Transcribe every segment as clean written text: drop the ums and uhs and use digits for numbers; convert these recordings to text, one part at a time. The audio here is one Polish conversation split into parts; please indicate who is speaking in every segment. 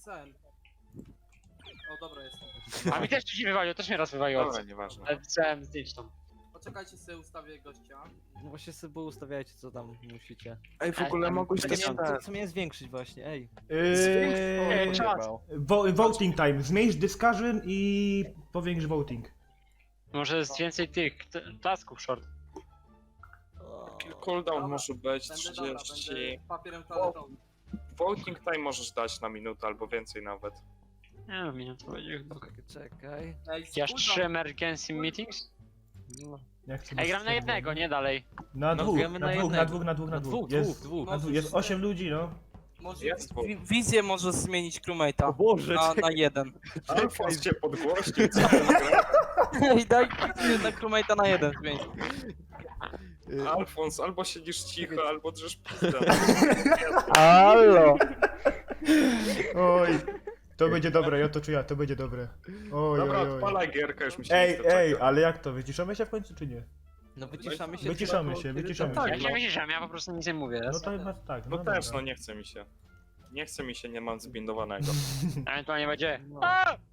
Speaker 1: ten. O, dobra, jestem.
Speaker 2: A mi też się wywaliło, też mnie raz wywaliło.
Speaker 3: Dobra, nieważne.
Speaker 2: Ale chciałem zdjąć tam.
Speaker 1: Poczekajcie sobie, ustawię gościa.
Speaker 4: No właśnie sobie ustawiajcie co tam musicie.
Speaker 3: Ej, w ogóle mogłeś
Speaker 4: Ja
Speaker 3: też
Speaker 4: nie wiem,
Speaker 3: ten...
Speaker 4: co miałem zwiększyć właśnie, ej.
Speaker 2: czas.
Speaker 5: Voting time. Zmniejsz discussion i powiększ voting.
Speaker 2: Może jest więcej tych tasków short.
Speaker 3: Cooldown może być
Speaker 1: Będę dobra,
Speaker 3: 30...
Speaker 1: będę papierem toaletowym.
Speaker 3: Voting time możesz dać na minutę albo więcej nawet.
Speaker 2: Nie wiem, minut to będzie chyba.
Speaker 4: Czekaj.
Speaker 1: Ej,
Speaker 2: Ja
Speaker 1: cooldown.
Speaker 2: 3 emergency meetings?
Speaker 4: No.
Speaker 5: Jak chcę
Speaker 2: Ej, gram na jednego, nie dalej.
Speaker 5: Na
Speaker 4: No,
Speaker 5: dwóch,
Speaker 4: gramy
Speaker 5: na
Speaker 4: na
Speaker 5: dwóch, na
Speaker 4: jednego.
Speaker 5: dwóch, na dwóch, na dwóch.
Speaker 4: Dwóch.
Speaker 5: Na dwóch. Jest 8 ludzi, no.
Speaker 1: Może
Speaker 3: Jest dwóch.
Speaker 1: wizję może zmienić crewmate'a.
Speaker 4: Boże,
Speaker 1: Na jeden.
Speaker 3: Alfons cię podgłośnił, co ty gra?
Speaker 1: I daj na crewmate'a na jeden zmienić.
Speaker 3: Alfons, albo siedzisz cicho, albo drzesz pizdę.
Speaker 4: Halo!
Speaker 5: Oj. To będzie dobre, ja to czuję, to będzie dobre. Oj,
Speaker 3: Dobra,
Speaker 5: oj, oj.
Speaker 3: odpalaj gierkę, już mi się
Speaker 5: Ej,
Speaker 3: nie chce
Speaker 5: ej,
Speaker 3: czekać.
Speaker 5: ale jak to? Wyciszamy się w końcu, czy nie?
Speaker 4: No wyciszamy się.
Speaker 5: Wyciszamy się, wyciszamy
Speaker 3: Tak,
Speaker 2: Ja
Speaker 5: się.
Speaker 2: się wyciszam, ja po prostu nic nie mówię.
Speaker 5: No to chyba tak,
Speaker 3: No
Speaker 5: no
Speaker 3: też,
Speaker 5: dobra.
Speaker 3: no nie chce mi się. Nie chce mi się, nie mam zbindowanego.
Speaker 2: Ewentualnie będzie.
Speaker 4: No.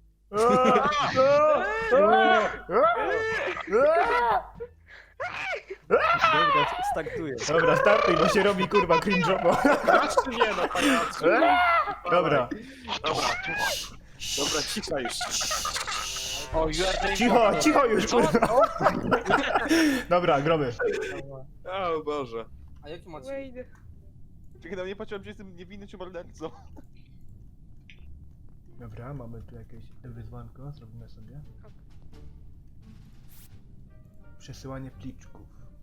Speaker 4: Dobra, startuję.
Speaker 5: Dobra, startuj, bo się robi kurwa cringe'owo.
Speaker 3: Grasz czy nie, no pajacu?
Speaker 5: Dobra,
Speaker 3: Dobra. Dobra, cisza już.
Speaker 2: O, you are doing
Speaker 5: cicho, cicho już kurwa. Dobra, gromy.
Speaker 3: O Boże.
Speaker 1: A jaki macie?
Speaker 6: Wejdę.
Speaker 7: Czekaj, no nie patrzyłem, czy jestem niewinny czy mordercą.
Speaker 5: Dobra, mamy tu jakieś wyzwanko, zrobimy sobie. Przesyłanie pliczków.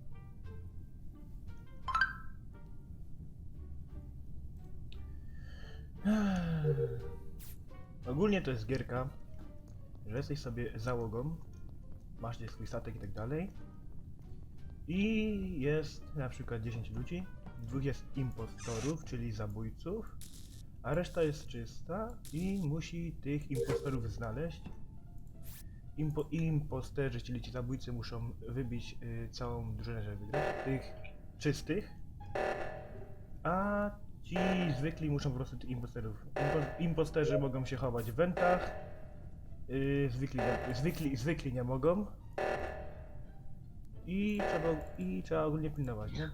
Speaker 5: Ogólnie to jest gierka, że jesteś sobie załogą, masz gdzieś swój statek i tak dalej. I jest na przykład 10 ludzi, dwóch jest impostorów, czyli zabójców, a reszta jest czysta i musi tych impostorów znaleźć. Imposterzy, czyli ci zabójcy muszą wybić całą drużynę, żeby wygrać, tych czystych, a ci zwykli muszą po prostu tych imposterów. Imposterzy mogą się chować w wentach, zwykli nie mogą i trzeba ogólnie pilnować, nie?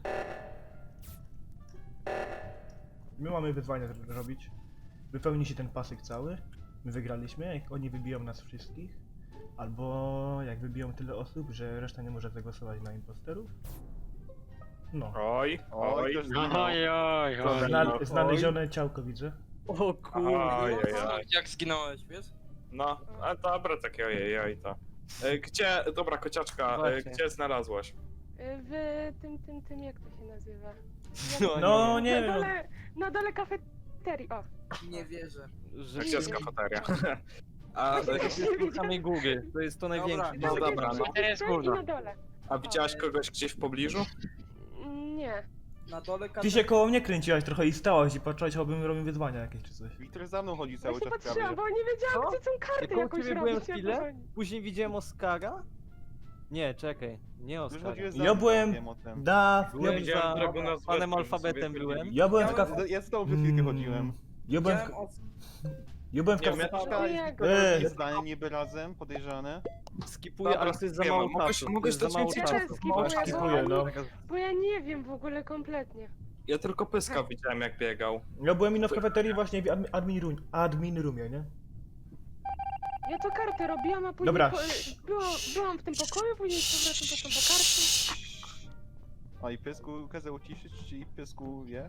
Speaker 5: My mamy wyzwania robić. Wypełni się ten pasek cały. My wygraliśmy, jak oni wybiją nas wszystkich. Albo jak wybiją tyle osób, że reszta nie może zagłosować na imposterów. No.
Speaker 3: Oj, oj.
Speaker 7: ktoś
Speaker 2: Oj,
Speaker 7: zginął.
Speaker 2: oj, oj.
Speaker 5: Znalezione ciałko widzę.
Speaker 4: O kurde.
Speaker 3: Oj, oj, oj.
Speaker 1: Jak zginąłeś, wiesz?
Speaker 3: No, a dobra, takie ojej to. Gdzie, dobra kociaczka,
Speaker 4: Właśnie.
Speaker 3: gdzie znalazłaś?
Speaker 6: W tym, jak to się nazywa?
Speaker 5: No nie
Speaker 6: na
Speaker 5: wiem.
Speaker 6: dole, na dole kafeterii, o.
Speaker 1: Nie wierzę.
Speaker 4: Że
Speaker 3: Gdzie jest kafeteria?
Speaker 1: A,
Speaker 4: w samej Google, to jest to największe.
Speaker 3: no dobra, no.
Speaker 2: To jest
Speaker 6: I
Speaker 2: gówno.
Speaker 6: na dole.
Speaker 3: A widziałaś kogoś gdzieś w pobliżu?
Speaker 6: Nie.
Speaker 1: na dole
Speaker 5: Ty się koło mnie kręciłaś trochę i stałaś i patrzyłaś, obym robił wyzwania jakieś czy coś.
Speaker 7: Wiktor za mną chodzi cały
Speaker 6: Właśnie
Speaker 7: czas
Speaker 6: patrzyłam,
Speaker 7: prawie.
Speaker 6: bo nie wiedziałam,
Speaker 4: Co?
Speaker 6: gdzie są karty
Speaker 4: Koło
Speaker 6: jakoś
Speaker 4: ciebie
Speaker 6: robić.
Speaker 4: byłem
Speaker 6: ja
Speaker 4: chwilę?
Speaker 6: powoli.
Speaker 4: Później widziałem Oscara? Nie, czekaj, nie
Speaker 7: Już
Speaker 4: Oscara.
Speaker 7: chodziłeś za
Speaker 5: Ja
Speaker 7: mną,
Speaker 5: byłem-
Speaker 7: wiem o tym.
Speaker 4: Byłem
Speaker 3: widziałem
Speaker 4: za
Speaker 3: Dragona z
Speaker 4: panem
Speaker 3: Westem,
Speaker 4: alfabetem
Speaker 3: sobie
Speaker 4: byłem.
Speaker 5: Ja byłem w kafe...
Speaker 7: Ja z tobą przez chwilkę chodziłem.
Speaker 5: Ja byłem
Speaker 1: Widziałem
Speaker 5: w...
Speaker 1: od...
Speaker 5: Ja byłem w
Speaker 3: Nie,
Speaker 5: kafe...
Speaker 3: my-
Speaker 7: Kaczka i
Speaker 6: Ojej.
Speaker 7: Wiktor
Speaker 5: Ej.
Speaker 7: jest zdanie niby razem, podejrzane.
Speaker 4: Skipuję,
Speaker 3: Dobra,
Speaker 4: ale to jest za
Speaker 3: skipuję,
Speaker 4: mało
Speaker 3: mogłeś-
Speaker 4: czasu.
Speaker 3: mogłeś
Speaker 4: To jest za
Speaker 3: dać
Speaker 4: mało
Speaker 3: więcej
Speaker 6: Ja
Speaker 4: czasu.
Speaker 6: też skipuję,
Speaker 5: Skipuję, no.
Speaker 6: bo ja nie wiem w ogóle kompletnie.
Speaker 3: Ja tylko pyska widziałem jak biegał.
Speaker 5: Ja byłem ino w kafeterii właśnie w admin roomie, nie?
Speaker 6: Ja to kartę robiłam, a później
Speaker 5: Dobra.
Speaker 6: byłam w tym pokoju, później z powrotem poszłam po karty.
Speaker 7: A i piesku kazał uciszyć, czy i piesku wie?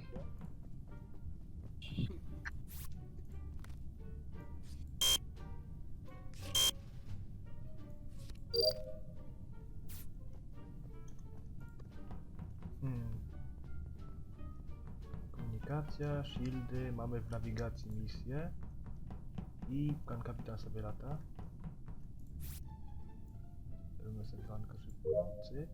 Speaker 5: Hmm. Komunikacja, shieldy, mamy w nawigacji misję. I pan kapitan sobie lata. Robimy sobie wanko szybko, cyk.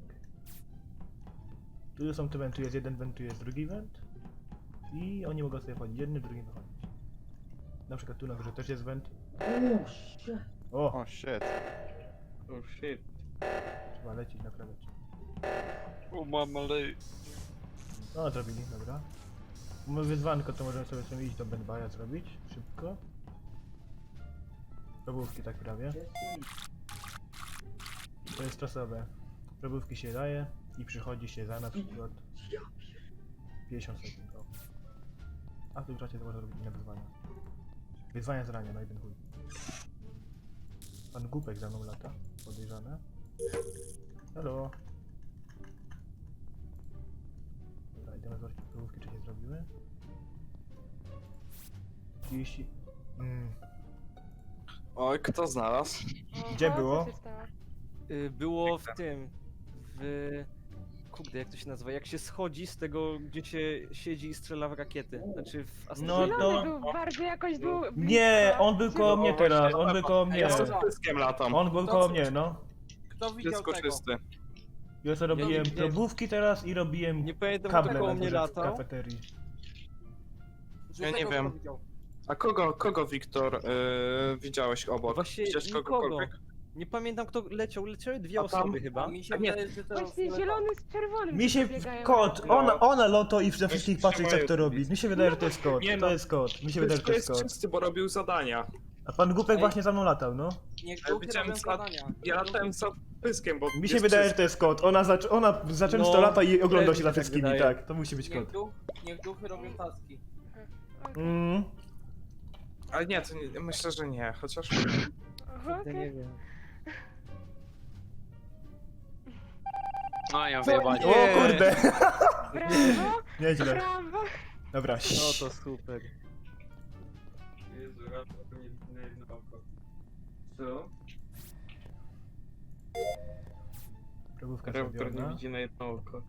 Speaker 5: Tu są te wenty, jest jeden went, tu jest drugi went. I oni mogą sobie wchodzić jednym, drugim wychodzić. Na przykład tu na górze też jest went. O!
Speaker 7: O shit.
Speaker 3: Oh shit.
Speaker 5: Trzeba lecieć, naprawiać.
Speaker 3: O mamalej.
Speaker 5: No zrobili, dobra. Mamy wyzwanko, to możemy sobie iść do Benbaja zrobić, szybko. Probówki tak prawie. To jest czasowe. Probówki się daje i przychodzi się za na przykład 50 sekund. O. A w tym czasie to można robić inne wyzwania. Wyzwania z rania na jeden chuj. Pan Głupek za mną lata. Podejrzane. Hello. Dobra, idziemy zobaczyć probówki, czy się zrobiły. 30...
Speaker 3: Oj, kto znalazł?
Speaker 5: Gdzie
Speaker 6: Oho,
Speaker 5: było?
Speaker 6: Co się stało?
Speaker 4: Było w tym... w... Kurde, jak to się nazywa? Jak się schodzi z tego, gdzie się siedzi i strzela w rakiety. Znaczy w
Speaker 5: No
Speaker 6: Zielony
Speaker 5: to...
Speaker 6: był bardzo jakoś był
Speaker 5: Nie,
Speaker 6: blisko.
Speaker 5: on był koło mnie teraz, on był koło mnie.
Speaker 3: Ja z pyskiem latam.
Speaker 5: On był koło mnie, no.
Speaker 1: Kto widział
Speaker 3: Wszystko
Speaker 1: tego?
Speaker 3: czysty.
Speaker 5: Ja to robiłem
Speaker 4: nie-
Speaker 5: probówki teraz i robiłem
Speaker 4: Nie pamiętam,
Speaker 5: kable
Speaker 4: kto koło
Speaker 5: na
Speaker 4: mnie
Speaker 5: górze w
Speaker 4: latał.
Speaker 5: kafeterii.
Speaker 3: Ja nie
Speaker 1: Żółtego
Speaker 3: wiem.
Speaker 1: kto widział?
Speaker 3: A kogo Wiktor, widziałeś obok?
Speaker 4: Właśnie
Speaker 3: Widziałeś
Speaker 4: nikogo.
Speaker 3: kogokolwiek?
Speaker 4: Nie pamiętam kto leciał, leciały dwie
Speaker 3: A tam-
Speaker 4: osoby chyba.
Speaker 1: A mi się
Speaker 3: A nie.
Speaker 1: wydaje, że to
Speaker 6: Właśnie zielony z czerwonym
Speaker 5: Mi się
Speaker 6: biegają
Speaker 5: kot,
Speaker 6: razem.
Speaker 5: ona loto i we wszystkich
Speaker 3: Trzeba
Speaker 5: patrzeć jak to
Speaker 3: je
Speaker 5: robi. Mi się wydaje, że to jest kot,
Speaker 3: Nie
Speaker 5: to
Speaker 3: no.
Speaker 5: jest kot. Mi się wydaje, że to
Speaker 3: To
Speaker 5: jest
Speaker 3: jest
Speaker 5: kot.
Speaker 3: czysty, bo robił zadania.
Speaker 5: A pan Głupek
Speaker 1: Ej.
Speaker 5: właśnie za mną latał, no.
Speaker 1: Niech
Speaker 3: Ale
Speaker 1: duchy
Speaker 3: widziałem
Speaker 1: robią
Speaker 3: za-
Speaker 1: zadania.
Speaker 3: Ja latałem za pyskiem, bo
Speaker 5: Mi się
Speaker 3: jest
Speaker 5: wydaje, że
Speaker 3: czysty.
Speaker 5: to jest kot. Ona za często
Speaker 4: No,
Speaker 5: lata i ogląda
Speaker 4: też
Speaker 5: się
Speaker 4: mi
Speaker 5: za
Speaker 4: się tak
Speaker 5: wszystkimi,
Speaker 4: wydaje.
Speaker 5: tak. To musi być kot.
Speaker 1: Niech duchy robią taski.
Speaker 5: Mm.
Speaker 3: Ale nie, to nie, myślę, że nie, chociaż...
Speaker 6: Aha,
Speaker 4: Ja
Speaker 6: okej.
Speaker 4: nie wiem.
Speaker 2: No ja wyjebać.
Speaker 5: O kurde!
Speaker 6: Brawo,
Speaker 5: Nieźle.
Speaker 6: brawo.
Speaker 5: Dobra.
Speaker 4: No to super.
Speaker 3: Jezu, na jedno oko. Co?
Speaker 5: Probówka
Speaker 3: Raptor nie
Speaker 5: zrobiona.
Speaker 3: widzi na jedno oko.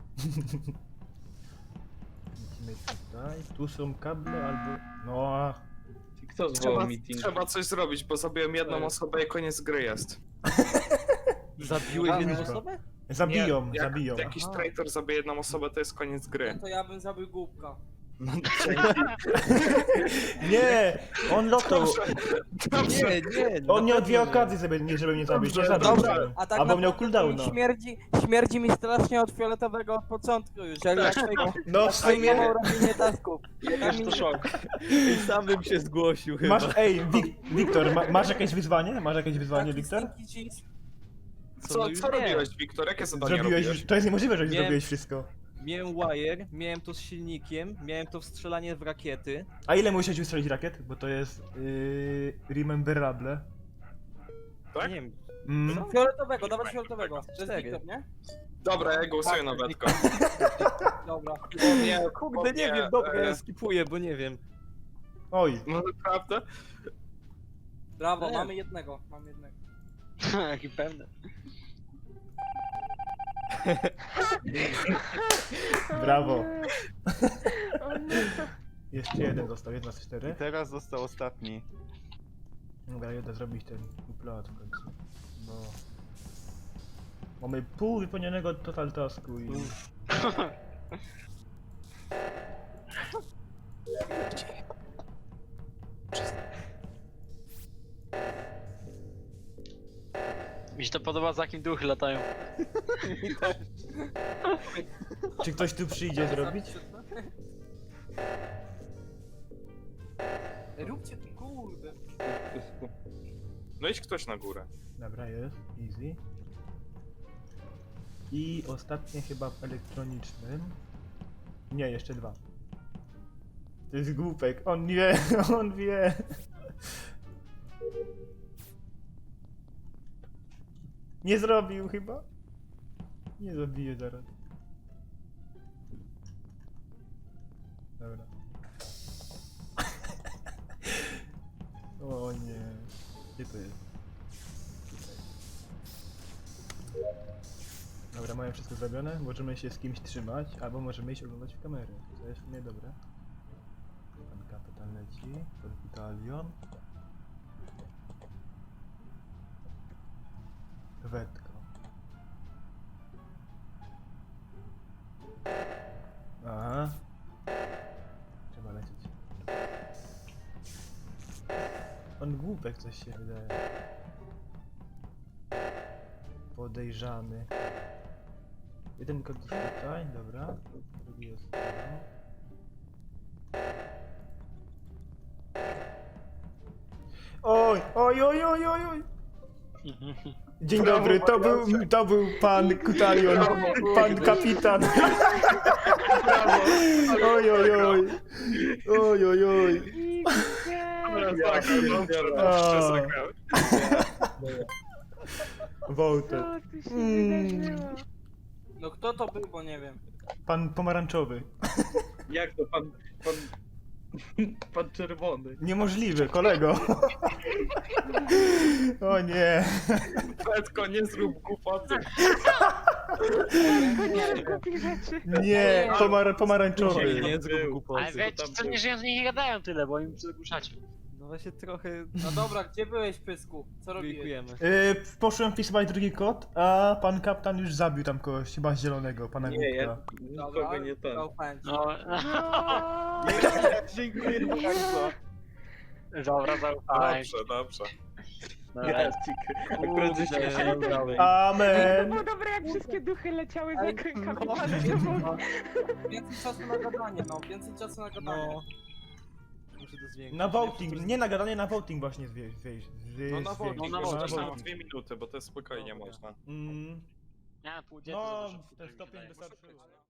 Speaker 5: Lecimy tutaj. Tu są kable albo... No a...
Speaker 8: Kto
Speaker 3: Trzeba coś zrobić, bo zabiłem jedną osobę i koniec gry jest.
Speaker 4: Zabiłeś jedną
Speaker 5: Blisko.
Speaker 4: osobę?
Speaker 5: Zabiją,
Speaker 3: Nie, jak
Speaker 5: zabiją.
Speaker 3: jakiś
Speaker 5: Aha.
Speaker 3: traitor zabije jedną osobę, to jest koniec gry.
Speaker 1: No to ja bym zabił głupka.
Speaker 3: No, dzięki.
Speaker 5: Nie! On lotał.
Speaker 3: Dobrze.
Speaker 4: Nie,
Speaker 5: On miał dwie
Speaker 4: naprawdę nie.
Speaker 5: okazje, żeby mnie zabić. Nie
Speaker 3: Dobrze,
Speaker 5: zabił.
Speaker 3: dobra.
Speaker 5: żebym.
Speaker 1: A tak
Speaker 5: Albo miał
Speaker 1: naprawdę to mi
Speaker 5: cooldowna.
Speaker 1: śmierdzi mi strasznie od fioletowego od początku już, jak ja
Speaker 5: No w sumie...
Speaker 1: robienie tasków.
Speaker 2: Też to szok.
Speaker 4: I sam bym się zgłosił chyba.
Speaker 5: Masz, ej, Wiktor, masz jakieś wyzwanie? Masz jakieś wyzwanie, Wiktor?
Speaker 3: Co,
Speaker 4: już
Speaker 3: co
Speaker 4: nie.
Speaker 3: robiłeś, Wiktor? Jakie zadanie
Speaker 5: Zrobiłeś
Speaker 3: robiłeś?
Speaker 5: już, to jest niemożliwe, że już
Speaker 4: Miałem-
Speaker 5: zrobiłeś wszystko.
Speaker 4: Miałem wire, miałem to z silnikiem, miałem to w strzelanie w rakiety.
Speaker 5: A ile musiałeś ustrzelić rakiet? Bo to jest... rememberable.
Speaker 3: Tak?
Speaker 4: Nie wiem,
Speaker 5: Mm.
Speaker 1: Fioletowego, dawać fioletowego. To jest
Speaker 4: 4.
Speaker 1: Wiktor, nie?
Speaker 3: Dobra, ja głosuję na Wetko.
Speaker 1: Dobra.
Speaker 3: Nie,
Speaker 4: kurde, nie wiem, dobra, ja skipuję, bo nie wiem.
Speaker 5: Oj,
Speaker 3: No naprawdę?
Speaker 1: Brawo,
Speaker 4: Nie.
Speaker 1: mamy jednego. Mamy jednego.
Speaker 2: Jaki pewny.
Speaker 5: brawo.
Speaker 6: O nie.
Speaker 5: Jeszcze jeden został, 1 z 4.
Speaker 7: I teraz został ostatni.
Speaker 5: Dobra, jedę zrobić ten upload w końcu. Bo... Mamy pół wypełnionego total tasku i...
Speaker 2: Mi się to podoba, za jakim duchy latają.
Speaker 5: Czy ktoś tu przyjdzie zrobić?
Speaker 1: Róbcie to, kurde.
Speaker 3: No idź ktoś na górę.
Speaker 5: Dobra, jest, easy. I ostatnie chyba w elektronicznym. Nie, jeszcze 2. To jest Głupek, on wie, on wie. Nie zrobił chyba? Nie zabiję zaraz. Dobra. O nie. Gdzie to jest? Tutaj. Dobra, mamy wszystko zrobione. Możemy się z kimś trzymać, albo możemy iść oglądać w kamerę. To jest w sumie dobre. Pan kapitan leci. Podbitalion. Wetko. Aha. Trzeba lecieć. Pan Głupek coś się wydaje. Podejrzany. Jeden kod tutaj, dobra. Drugi jest tam. Oj, oj, oj, oj, oj, oj. Dzień dobry, to był pan Kutalion, pan kapitan. Oj, oj, oj. Oj, oj, oj.
Speaker 3: Tak,
Speaker 5: Wołter.
Speaker 6: Co tu się wydarzyło?
Speaker 1: No kto to był, bo nie wiem.
Speaker 5: Pan pomarańczowy.
Speaker 3: Jak to pan czerwony?
Speaker 5: Niemożliwe, kolego. O nie.
Speaker 3: Petko, nie zrób głupoty.
Speaker 6: Nie kupi rzeczy.
Speaker 5: Nie, pomarańczowy.
Speaker 4: Nie zrób
Speaker 2: Ale
Speaker 4: głupoty.
Speaker 2: wiecie, co nie żyją, z nich nie gadają tyle, bo im przedgłuszacie.
Speaker 4: No właśnie trochę
Speaker 1: No dobra, gdzie byłeś, Pysku? Co robiłeś?
Speaker 4: dziękujemy.
Speaker 5: Poszłem wpisywać drugi kod, a pan kapitan już zabił tam kogoś, chyba zielonego, pana
Speaker 3: Nie, ja
Speaker 5: Głupka.
Speaker 3: nikogo nie ten.
Speaker 1: Zaufałem ci.
Speaker 2: No,
Speaker 7: Dziękuję bardzo.
Speaker 2: dobra, zaufaj.
Speaker 3: Dobrze.
Speaker 7: Akurat żeście się nie udały.
Speaker 6: To
Speaker 5: Amen.
Speaker 6: było dobre, jak wszystkie duchy leciały za
Speaker 1: Ej,
Speaker 6: kapitanem.
Speaker 1: no. Więcej czasu na gadanie, no. Więcej czasu na gadanie.
Speaker 4: No. Muszę to zwiększyć.
Speaker 5: Na voting, nie na gadanie, na voting właśnie
Speaker 1: No na voting,
Speaker 2: no na
Speaker 3: Może
Speaker 2: voting.
Speaker 3: też na 2 minuty, bo to spokojnie można.
Speaker 5: Mm,
Speaker 2: Ja pół dzień
Speaker 5: no,
Speaker 2: to dużo,
Speaker 5: ten
Speaker 2: mi się
Speaker 5: stopień
Speaker 2: wydaje.
Speaker 5: wystarczyło.